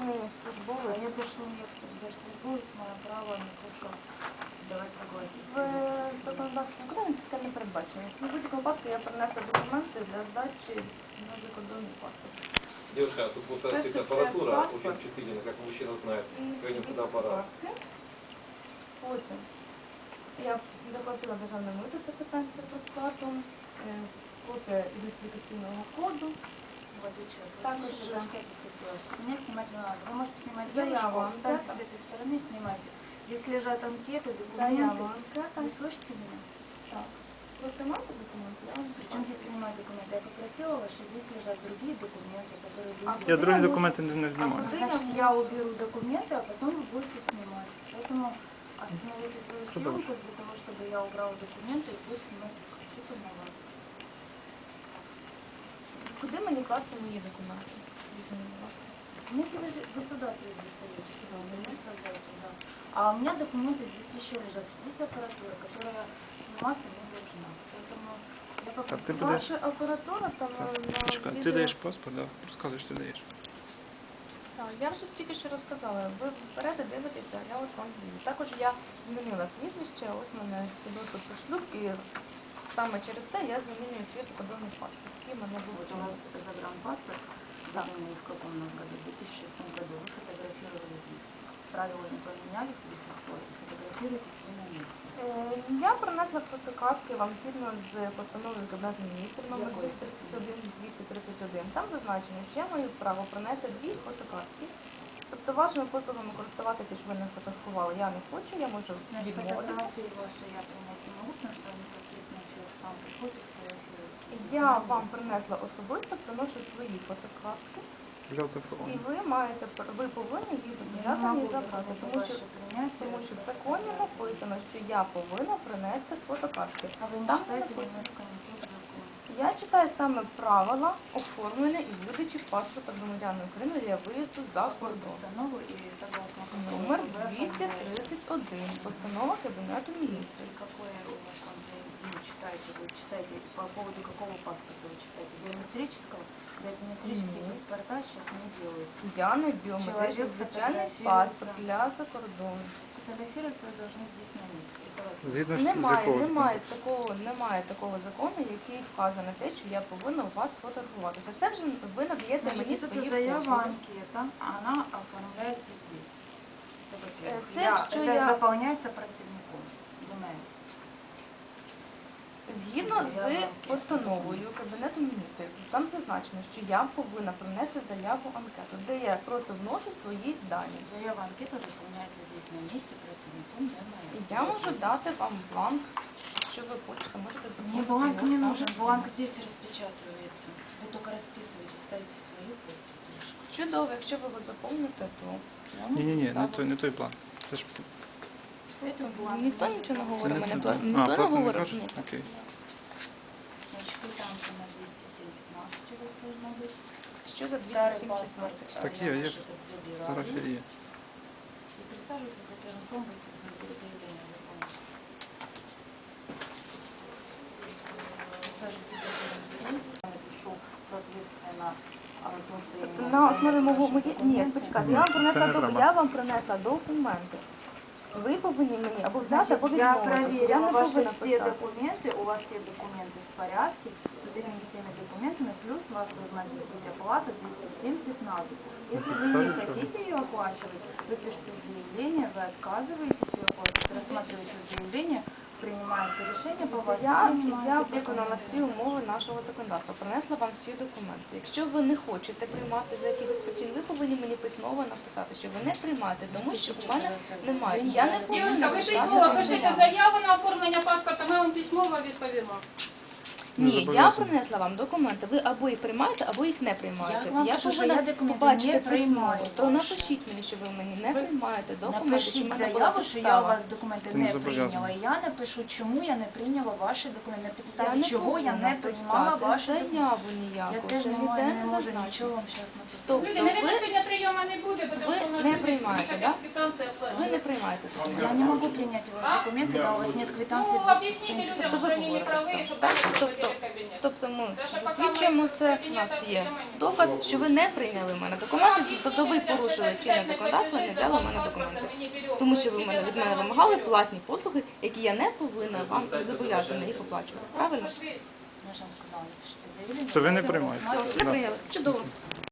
державний службовець. Я даже не держслужбовець, має право на те, що давати согласие. В законодавстві України це не передбачено. В будь-якому випадку я принесла документи для здачі на закордонний паспорт. Девушка, тут вот эта аппаратура очень чувствительна, как мужчина знает, какой фотоаппарат. Потім я заплатила державне мито, це питання сертифікату, копія ідентифікаційного коду. Також Меня снимать не надо. Вы можете снимать заяву, девушку, встаньте с этой стороны, снимайте. Здесь лежат анкеты, заяву, документы. анкета. Вы слышите меня? Так. Ви приймаєте документи? Я вам Причем здесь принимать документы? Я попросила вас, что здесь лежат другие документы, которые А люди... Я другі документи не А знімаю. куди Значит, я уберу документы, а потом вы будете снимать. Поэтому остановите свою съемку для того, чтобы я убрала документы и буду снимать исключительно вас. Куди мені класти мої документи? Ну, если вы сюда достаете, сюда, вы не оставляете, да. А у меня документы здесь еще лежат. Здесь аппаратура, которая сниматься не должна. Поэтому я А ти попросила... будеш... Ваша апаратура там на Почекай, ти відео... даєш паспорт, да? Розказуєш, ти даєш. Так, я вже тільки що розказала. Ви вперед дивитеся, я ось вам даю. Також я змінила прізвище, ось в мене свідоцтво про шлюб, і саме через те я замінюю свій закордонний паспорт, який в мене був. Вот у вас загранпаспорт, выданный в каком у нас году? В 2006 году. Вы фотографировали здесь. Правила не поменялись до сих пор. Фотографируйтесь вы на месте. Я принесла фотокартки вам згідно з постановою Кабінету міністрів номер 231-231. Там зазначено, що я маю право принести 2 фотокартки. Тобто вашими послугами користуватися, щоб ви не фотографували, я не хочу, я можу відмовитися. Фотографии ваши я принять не могу, потому что непосредственно человек сам приходит, фотографирует. Я вам принесла особисто, приношу свої фотокартки. Взяв телефон. І ви маєте, ви повинні їх зобов'язані забрати, тому що в законі написано, що я повинна принести фотокартки. А вы не Там читаете написано. немножко не тот закон. Я читаю саме правила оформлення і видачі паспорта громадянина України для виїзду за кордон. Постанову и согласно Номер 231. Постанова Кабінету міністрів. Какое у вас там вы читаете, по поводу какого паспорта вы читаете? Биометрического? Биометрические паспорта сейчас не делаются. Я не біометричний, звичайний паспорт для закордону. Сфотографироваться вы должны здесь на месте. Згідно з Немає такого закону, який вказує на те, що я повинна у вас фотографуватися. Це вже ви надаєте мені Значит, свої это заява послуги. анкета, она оформляется здесь. Это во-первых. Це, Это заполняется противником. ДМС. Згідно з постановою Кабінету міністрів, там зазначено, що я повинна принести заяву анкету, де я просто вношу свої дані. Заява анкета заполняется здесь на месте противником ДМС. І я можу дати вам бланк, якщо ви хочете, можете заповнити. Мне бланк його не саме нужен, тут. бланк здесь распечатывается. Вы только расписываете, ставите свою подпись. девушка. Чудово, якщо ви його заповните, то я можу Ні, поставити. не той план. Це ж... Это бланк. Ніхто нічого не говорить, Це мене той. ніхто не план говорить. кажуть? Ні. Окей. Значит, квитанция на 207.15 у вас должна быть. Що за Старый 207 паспорт, Так я є, ваш є. этот забираю. Фотографія є. И присаживайтесь за первым столом, будете заявление заполнять. Присаживайтесь за первым заявлением. Я напишу, соответственно, то, что я не На могу основі мого принять ні, документы. почекайте, Ні, я вам це принесла не треба. я вам принесла документи. Ви повинні мені або взяти, або Я відмовитися. Я проверила не ваши повинна все писати. документы, у вас все документы в порядке, с этими всеми документами, плюс у вас должна здесь быть оплата 207.15. Если вы не Скажи, хотите ее оплачивать, вы пишете заявление, вы отказываетесь ее оплачивать, рассматриваете заявление, принимается решение по вас. Я принимаете виконала документы. всі умови нашого законодавства, принесла вам всі документи. Якщо ви не хочете приймати за якихось причин, ви повинні мені письмово написати, що ви не приймаєте, тому що у мене немає. Я не повинна Дівчинка, ви писати письмово заяву. пишете заяву на оформлення паспорта, ми вам письмово відповімо. Не Ні, я зобов'язані. принесла вам документи. Ви або їх приймаєте, або їх не приймаєте. Я вам кажу, що повинна я документи побачити не письмово. приймаю То ваші. напишіть мені, що ви мені не приймаєте документи, що в Напишіть мене була заяву, що я у підстава. вас документи Ти не не зобов'язана. прийняла. І я напишу, чому я не прийняла ваші документи, на Я підставі не чого я повинна не приймала писати ваші документи. заяву ніяку. Я теж Це не ніде можу зазначено. нічого вам зараз написати. Тобто Люди, навіть ви- сьогодні прийому не буде, буде ви оформлено не собі. приймаєте, Хоча да? квитанція Ви оплачена. не приймаєте документи. Я не могу принять у вас документы, да, у вас нет квитанции Ну, объясните 207. людям, що вони не праві, щоб вони Тобто Тобто ми засвідчуємо це, у нас є доказ, що ви не прийняли в мене документи, тобто ви порушили чинне законодавство і не взяли в мене документи. Тому що ви від мене вимагали платні послуги, які я не повинна вам зобов'язана їх оплачувати. Правильно? Я ж вам сказала, напишите заявление. То ви не я приймаєте. рассматриваю. Не прийняли. Чудово.